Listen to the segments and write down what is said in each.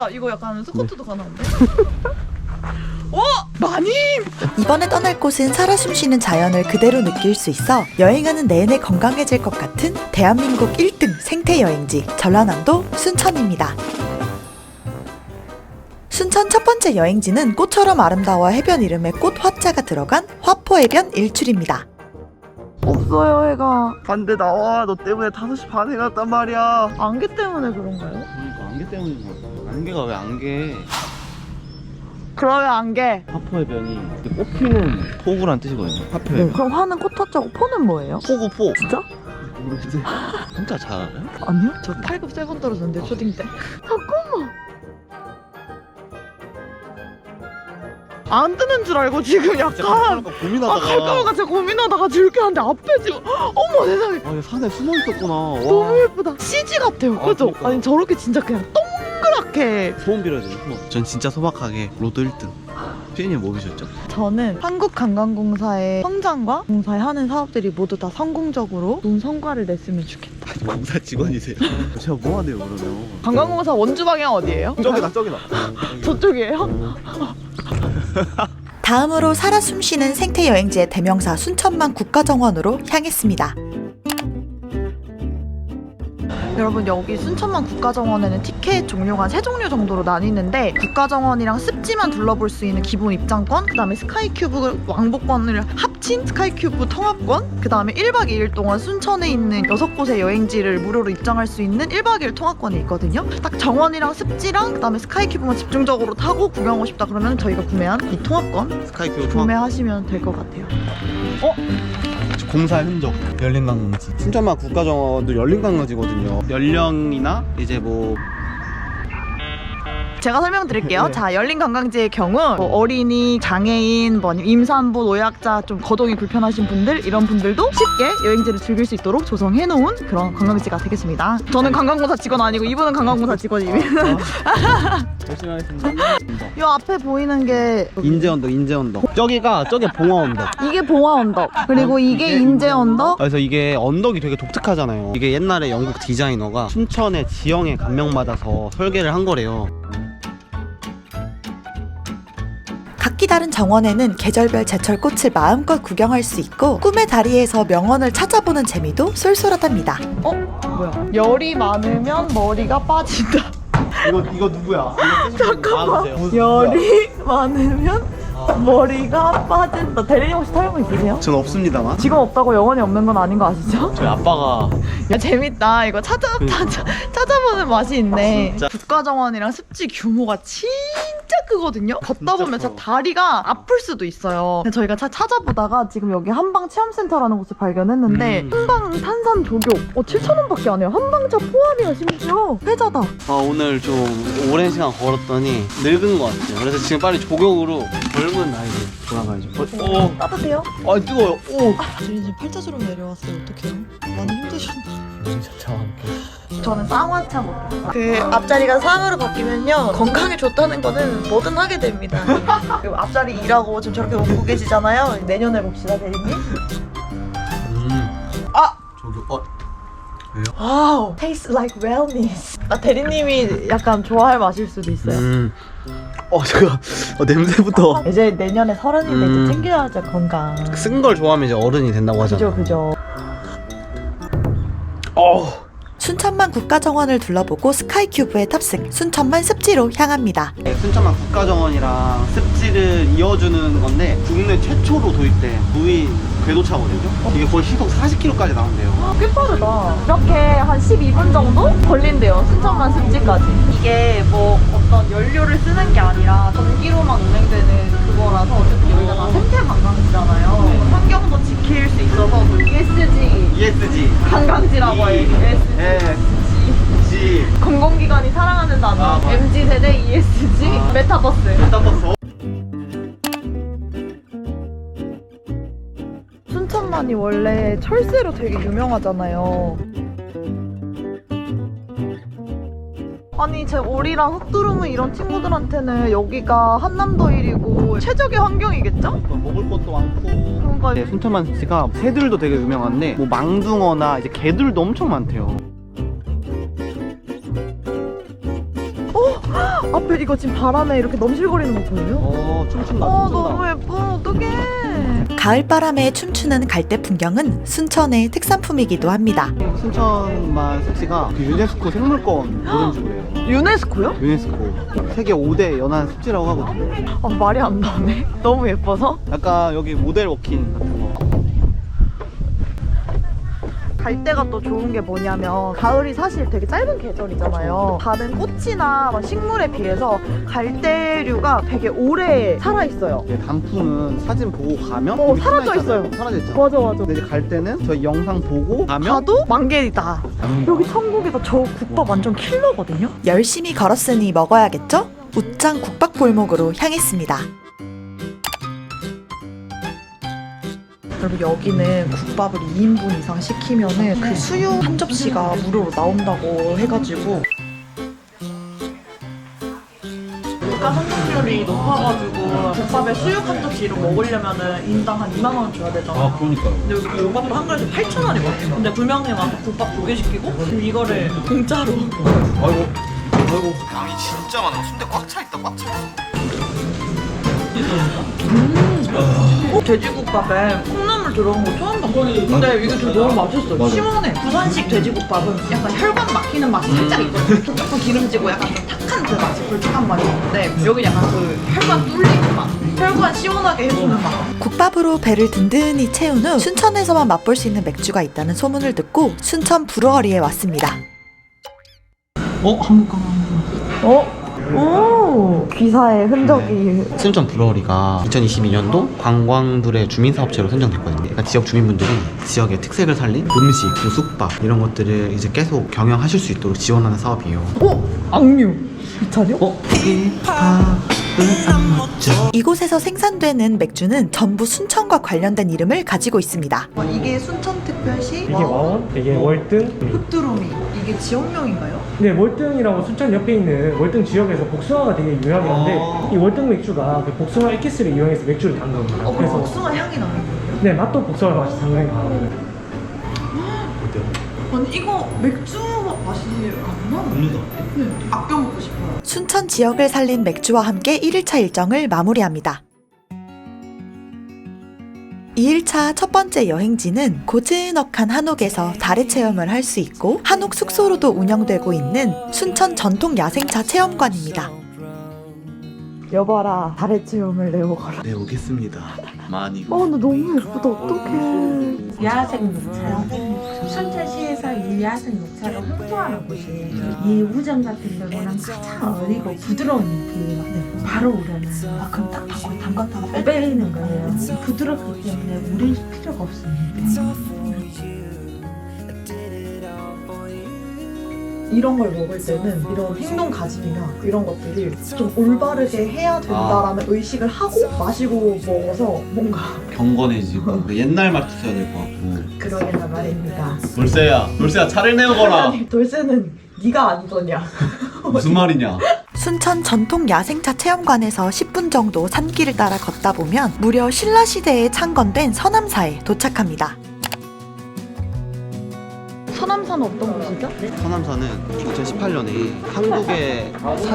이거 약간 스쿼트도 가능한데? 오! 마님! 이번에 떠날 곳은 살아 숨쉬는 자연을 그대로 느낄 수 있어 여행하는 내내 건강해질 것 같은 대한민국 1등 생태 여행지 전라남도 순천입니다. 순천 첫 번째 여행지는 꽃처럼 아름다워 해변 이름에 꽃 화자가 들어간 화포해변 일출입니다. 없어요, 해가. 반대 나와. 너 때문에 5시 반에 갔단 말이야. 안개 때문에 그런가요? 그러니까 안개 때문인 거 같아. 안개가 왜 안개? 그러면 안개. 화포해변이 꽃 피는 포구란 뜻이거든요. 화포해변. 그럼 화는 꽃 화자고 포는 뭐예요? 포구 포. 진짜? 모르겠어요. 진짜 잘 알아요? 아니요? 저 8급 세번 떨어졌는데 초딩 때. 잠깐만. 안 뜨는 줄 알고 지금 약간 고민하다가. 갈까봐 제가 고민하다가 이렇게 하는데 앞에 지금 어머 세상에 아, 산에 숨어 있었구나. 너무 예쁘다. CG 같아요. 아, 그죠? 그러니까. 아니 저렇게 진짜 그냥 동그랗게. 소원 빌어야 돼요. 소원. 전 진짜 소박하게 로또 1등. 피디님 뭐 비셨죠? 저는 한국관광공사의 성장과 공사에 하는 사업들이 모두 다 성공적으로 좋은 성과를 냈으면 좋겠다. 공사 직원이세요? 제가 뭐 하네요 그러면? 관광공사 원주 방향 어디예요? 저기다 저기다. 저쪽이에요? 다음으로 살아 숨쉬는 생태 여행지의 대명사 순천만 국가정원으로 향했습니다. 여러분 여기 순천만 국가정원에는 티켓 종류가 3종류 정도로 나뉘는데 국가정원이랑 습지만 둘러볼 수 있는 기본 입장권, 그 다음에 스카이큐브 왕복권을 합친 스카이큐브 통합권, 그 다음에 1박 2일 동안 순천에 있는 6곳의 여행지를 무료로 입장할 수 있는 1박 2일 통합권이 있거든요. 딱 정원이랑 습지랑 그 다음에 스카이큐브만 집중적으로 타고 구경하고 싶다 그러면 저희가 구매한 이 통합권 스카이표 구매하시면 될 것 같아요. 공사의 흔적. 열린관광지. 순천만 국가정원도 열린관광지거든요. 연령이나 이제 뭐 제가 설명드릴게요. 네. 자, 열린관광지의 경우 뭐 어린이, 장애인, 뭐 아니면 임산부, 노약자, 좀 거동이 불편하신 분들 이런 분들도 쉽게 여행지를 즐길 수 있도록 조성해놓은 그런 관광지가 되겠습니다. 저는 관광공사 직원 아니고 이분은 관광공사 직원입니다. 열심히 하겠습니다. 이 앞에 보이는 게 인제언덕, 인제언덕. 저기가 저게 봉화언덕. 이게 봉화언덕, 그리고 이게 인제언덕. 그래서 이게 언덕이 되게 독특하잖아요. 이게 옛날에 영국 디자이너가 순천의 지형에 감명받아서 설계를 한 거래요. 각기 다른 정원에는 계절별 제철 꽃을 마음껏 구경할 수 있고 꿈의 다리에서 명언을 찾아보는 재미도 쏠쏠하답니다. 뭐야? 열이 많으면 머리가 빠진다. 이거 누구야? 잠깐만. 열이 많으면 머리가 빠진다. 대리님 혹시 탈모 있으세요? 전 없습니다만. 지금 없다고 영원히 없는 건 아닌 거 아시죠? 저희 아빠가 야 재밌다. 이거 찾아보는 맛이 있네. 진짜. 국가정원이랑 습지 규모가 진짜 크거든요. 걷다 보면 커. 진짜 다리가 아플 수도 있어요. 근데 저희가 찾아보다가 지금 여기 한방 체험센터라는 곳을 발견했는데 한방 탄산 조교 7,000원밖에 안 해요. 한방차 포함이야. 심지어 회자다. 오늘 좀 오랜 시간 걸었더니 늙은 것 같아요. 그래서 지금 빨리 조경으로 젊은 나이로 돌아가야죠. 따뜻해요? 뜨거워요. 오. 지금 팔자주름 내려왔어요. 어떡해요? 많이 힘드셨나? 진짜 저와 함께. 저는 쌍화차 먹어요. 그 앞자리가 쌍으로 바뀌면요 건강에 좋다는 거는 뭐든 하게 됩니다. 그리고 앞자리 일하고 지금 저렇게 웃고 계시잖아요. 내년에 봅시다 대리님. 아! 저기 왜요? 와우, taste like wellness. 대리님이 약간 좋아할 맛일 수도 있어요. 제가 냄새부터 이제 내년에 30인데 이제 챙겨야죠 건강. 쓴 걸 좋아하면 이제 어른이 된다고 하잖아요. 그죠. 순천만 국가정원을 둘러보고 스카이큐브에 탑승, 순천만 습지로 향합니다. 순천만 국가정원이랑 습지를 이어주는 건데 국내 최초로 도입된 무인 궤도차거든요. 이게 거의 시속 40km까지 나온대요. 꽤 빠르다. 이렇게 한 12분 정도 걸린대요. 순천만 습지까지. 이게 뭐 어떤 연료를 쓰는 게 아니라 전기로만 운행되는 그거라서 어쨌든 여기가 다 생태 관광지잖아요. 환경도 지킬 수 있어서 ESG ESG. 관광지라고 해요. ESG. 공공기관이 사랑하는 단어. 맞아. MZ세대 ESG 메타버스. 메타버스. 순천만이 원래 철새로 되게 유명하잖아요. 아니 제 오리랑 흑두루무 이런 친구들한테는 여기가 한남도 일이고 최적의 환경이겠죠? 먹을 것도 많고. 그러니까 네, 순천만 습지가 새들도 되게 유명한데 뭐 망둥어나 이제 개들도 엄청 많대요. 앞에 이거 지금 바람에 이렇게 넘실거리는 거 보여요? 춤춘다. 너무 예뻐. 어떡해. 가을바람에 춤추는 갈대 풍경은 순천의 특산품이기도 합니다. 순천만 습지가 그 유네스코 생물권 보존지구래요 유네스코요? 유네스코 세계 5대 연안 습지라고 하거든요. 말이 안 나오네. 너무 예뻐서. 약간 여기 모델 워킹 같은 거. 갈대가 또 좋은 게 뭐냐면 가을이 사실 되게 짧은 계절이잖아요. 다른 꽃이나 막 식물에 비해서 갈대류가 되게 오래 살아있어요. 이게 단풍은 사진 보고 가면 이미 사라져 끝나 있잖아요. 있어요. 사라져 있죠. 맞아 맞아. 근데 이제 갈 때는 저희 영상 보고 가면 가도 만개이다. 여기 천국에서 저 국밥 완전 킬러거든요. 열심히 걸었으니 먹어야겠죠? 웃장 국밥골목으로 향했습니다. 여러분 여기는 국밥을 2인분 이상 시키면은 그 수육 한 접시가 무료로 나온다고 해가지고 물가 성공률이 높아가지고 국밥에 수육 한 접시 이런 거 먹으려면은 인당 한 2만 원 줘야 되잖아. 그러니까요. 근데 여기 국밥도 한 그릇에 8,000원이거든. 근데 불명예 와서 국밥 2개 시키고 이거를 공짜로. 아이고 양이 진짜 많아. 순대 꽉 차 있다. 꽉 차 있어. 돼지국밥에 콩나물 들어간 거 처음 봤어. 근데 이게 되게 너무 맛있어. 맞아. 시원해. 부산식 돼지국밥은 약간 혈관 막히는 맛이 살짝 있거든. 조금 기름지고 약간 좀 탁한 그 맛이 불쾌한 맛이 있는데 여기 약간 그 혈관 뚫리는 맛. 혈관 시원하게 해주는 맛. 국밥으로 배를 든든히 채운 후 순천에서만 맛볼 수 있는 맥주가 있다는 소문을 듣고 순천 브루어리에 왔습니다. 한국 오, 귀사의 흔적이. 순천 브루어리가 2022년도 관광들의 주민사업체로 선정됐거든요. 그러니까 지역 주민분들이 지역의 특색을 살린 음식, 또 숙박 이런 것들을 이제 계속 경영하실 수 있도록 지원하는 사업이에요. 악뮤. 이 차려? 이곳에서 생산되는 맥주는 전부 순천과 관련된 이름을 가지고 있습니다. 이게 순천특별시 이게 와원, 이게 월등. 흑두루미. 이게 지역명인가요? 네, 월등이라고 순천 옆에 있는 월등 지역에서 복숭아가 되게 유명한데 이 월등 맥주가 그 복숭아 에키스를 이용해서 맥주를 담은 겁니다. 그럼 그래서 복숭아 향이 나는 거예요? 네, 맛도 복숭아 맛이 상당히 강합니다. 아니 이거 맥주 맛이 안 나는데? 네, 아껴 먹고 싶어요. 순천 지역을 살린 맥주와 함께 1일차 일정을 마무리합니다. 2일차 첫 번째 여행지는 고즈넉한 한옥에서 다래 체험을 할 수 있고 한옥 숙소로도 운영되고 있는 순천 전통 야생차 체험관입니다. 여봐라, 다래 체험을 내어가라. 네, 오겠습니다. 많이. 근데 너무 예쁘다. 어떡해. 야생 녹차. 순천시에서 이 야생 녹차를 홍보하는 곳이에요. 이 우정 같은 경우는 가장 어리고 부드러운 잎이 바로 우려나요. 그럼 딱 바꿔 담갔다가 빼내는 거예요. 부드럽기 때문에 우릴 필요가 없습니다. 이런 걸 먹을 때는 이런 행동 가짐이나 이런 것들이 좀 올바르게 해야 된다라는 의식을 하고 마시고 먹어서 뭔가 경건해지고 옛날 말도 써야 될 것 같고. 그러게나 말입니다. 돌쇠야 차를 내어거라. 돌쇠는 네가 안 거냐. 무슨 말이냐? 순천 전통 야생차 체험관에서 10분 정도 산길을 따라 걷다 보면 무려 신라시대에 창건된 서남사에 도착합니다. 서남사는 어떤 곳이죠? 서남사는 2018년에 한국의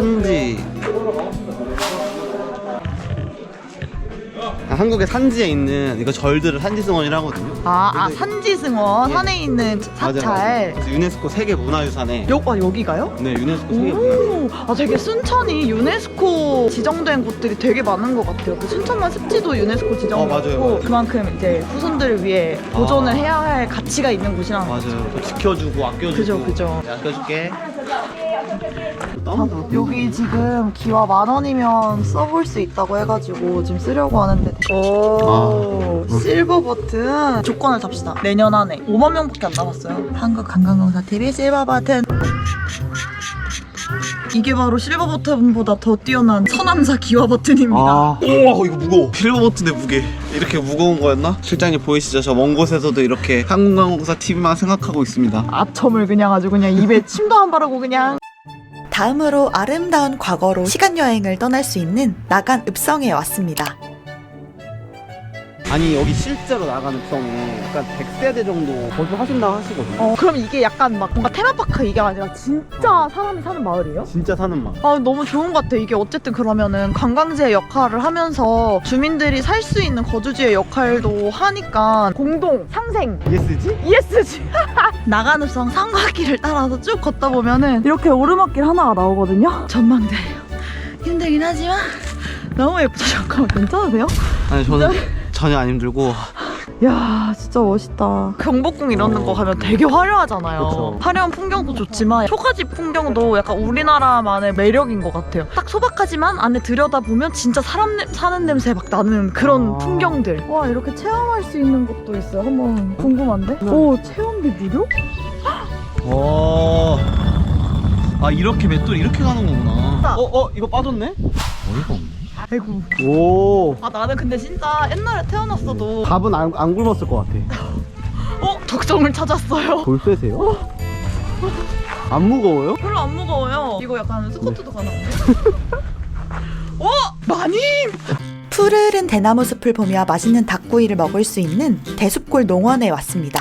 한국의 산지에 있는 이거 절들을 산지승원이라고 하거든요. 산지승원 산에 있는 사찰. 그래서 유네스코 세계 문화유산에. 여기가요? 네, 유네스코 세계 문화유산. 되게 순천이 유네스코 지정된 곳들이 되게 많은 것 같아요. 그 순천만 습지도 유네스코 지정됐고 맞아요. 그만큼 이제 후손들을 위해 보존을 해야 할 가치가 있는 곳이라는 거죠. 맞아요. 또 지켜주고 아껴주고. 그죠. 네, 아껴줄게. 여기 지금 기와 10,000원이면 써볼 수 있다고 해가지고 지금 쓰려고 하는데 실버 버튼 조건을 잡시다. 내년 안에 5만 명밖에 안 남았어요. 한국관광공사TV 실버 버튼. 이게 바로 실버 버튼보다 더 뛰어난 서남사 기와 버튼입니다. 우와, 이거 무거워. 실버 버튼의 무게. 이렇게 무거운 거였나? 실장님 보이시죠? 저 먼 곳에서도 이렇게 한국관광공사 TV만 생각하고 있습니다. 아첨을 그냥 아주 그냥 입에 침도 안 바르고 그냥. 다음으로 아름다운 과거로 시간여행을 떠날 수 있는 나간 읍성에 왔습니다. 아니 여기 실제로 나가는 성에 약간 100세대 정도 거주하신다고 하시거든요. 그럼 이게 약간 막 뭔가 테마파크 이게 아니라 진짜 사람이 사는 마을이에요? 진짜 사는 맛. 너무 좋은 것 같아. 이게 어쨌든 그러면은 관광지의 역할을 하면서 주민들이 살 수 있는 거주지의 역할도 하니까 공동 상생 ESG? ESG 나가는성 삼각길을 따라서 쭉 걷다 보면은 이렇게 오르막길 하나가 나오거든요. 전망대예요. 힘들긴 하지만 너무 예쁘다. 잠깐만 괜찮으세요? 아니 저는 전혀 안 힘들고. 야 진짜 멋있다. 경복궁 이런 거 가면 되게 화려하잖아요. 그쵸. 화려한 풍경도 좋지만 초가지 풍경도 약간 우리나라만의 매력인 것 같아요. 딱 소박하지만 안에 들여다보면 진짜 사람 사는 냄새 막 나는 그런 풍경들. 와 이렇게 체험할 수 있는 곳도 있어요. 한번 궁금한데? 오 체험비 무료? 아 이렇게 맷돌 이렇게 가는 거구나. 이거 빠졌네? 어이가 없네. 아이고. 오. 나는 근데 진짜 옛날에 태어났어도 밥은 안 굶었을 것 같아. 적정을 찾았어요. 돌쇠세요? 안 무거워요? 별로 안 무거워요. 이거 약간 스쿼트도 가능한데? 많이? 푸르른 대나무 숲을 보며 맛있는 닭구이를 먹을 수 있는 대숲골 농원에 왔습니다.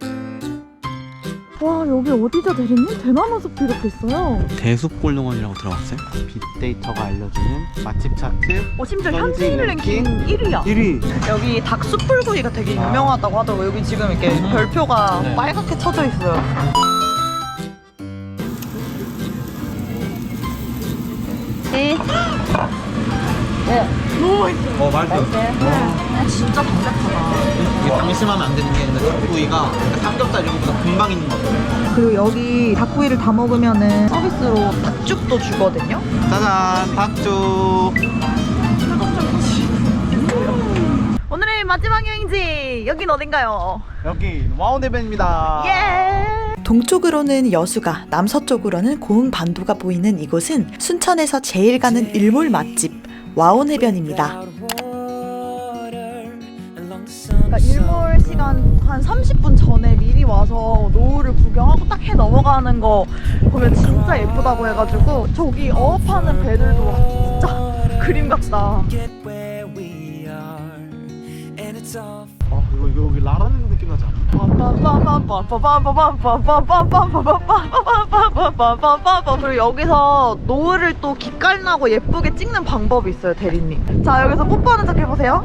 와 여기 어디죠 대리님? 대나무 숲이 이렇게 있어요. 대숲골농원이라고 들어봤어요? 빅데이터가 알려주는 맛집 차트 심지어 현지 현지인 랭킹 랭킹 1위야. 1위. 여기 닭 숯불구이가 되게 유명하다고 하더라고요. 여기 지금 이렇게 별표가 네. 빨갛게 쳐져 있어요. 네. 너무 맛있어. 맛있어요. 진짜 담백하다. 이게 방심하면 안 되는 게 닭구이가 삼겹살 이런 것보다 금방 익는 것 같아요. 그리고 여기 닭구이를 다 먹으면은 서비스로 닭죽도 주거든요. 짜잔, 닭죽. 오늘의 마지막 여행지 여긴 어딘가요? 여기 와운해변입니다. 예. 동쪽으로는 여수가, 남서쪽으로는 고흥 반도가 보이는 이곳은 순천에서 제일 가는 일몰 맛집 와온해변입니다. 그러니까 일몰 시간 한 30분 전에 미리 와서 노을을 구경하고 딱 해 넘어가는 거 보면 진짜 예쁘다고 해가지고 저기 어업하는 배들도 진짜 그림 같다. 이거 여기 라라랜드 느낌 나지 않아? 그리고 여기서 노을을 또 기깔나고 예쁘게 찍는 방법이 있어요, 대리님. 자, 여기서 뽀뽀하는 척 해보세요.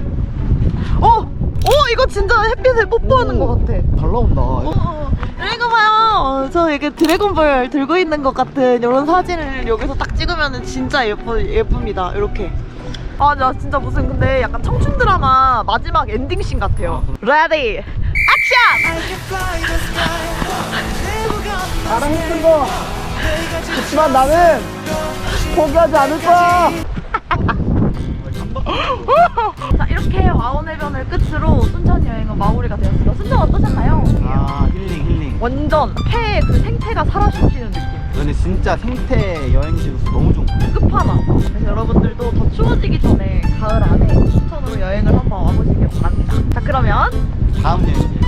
이거 진짜 햇빛에 뽀뽀하는 것 같아. 잘 나온다. 이거 봐요. 저 이렇게 드래곤볼 들고 있는 것 같은 이런 사진을 여기서 딱 찍으면 진짜 예쁩니다. 이렇게. 나 진짜 무슨 근데 약간 청춘 드라마 마지막 엔딩씬 같아요. 레디 액션! 나랑 힘든 거 그렇지만 나는 포기하지 않을 거야. 자, 이렇게 와온해변을 끝으로 순천 여행은 마무리가 되었습니다. 순천 어떠셨나요? 힐링. 완전 폐의 그 생태가 살아 숨쉬는 느낌. 근데 진짜 생태 여행지로서 너무 좋은 것 같아요. 끝판왕. 그래서 여러분들도 더 추워지기 전에 가을 안에 순천으로 여행을 한번 와보시길 바랍니다. 자, 그러면 다음 여행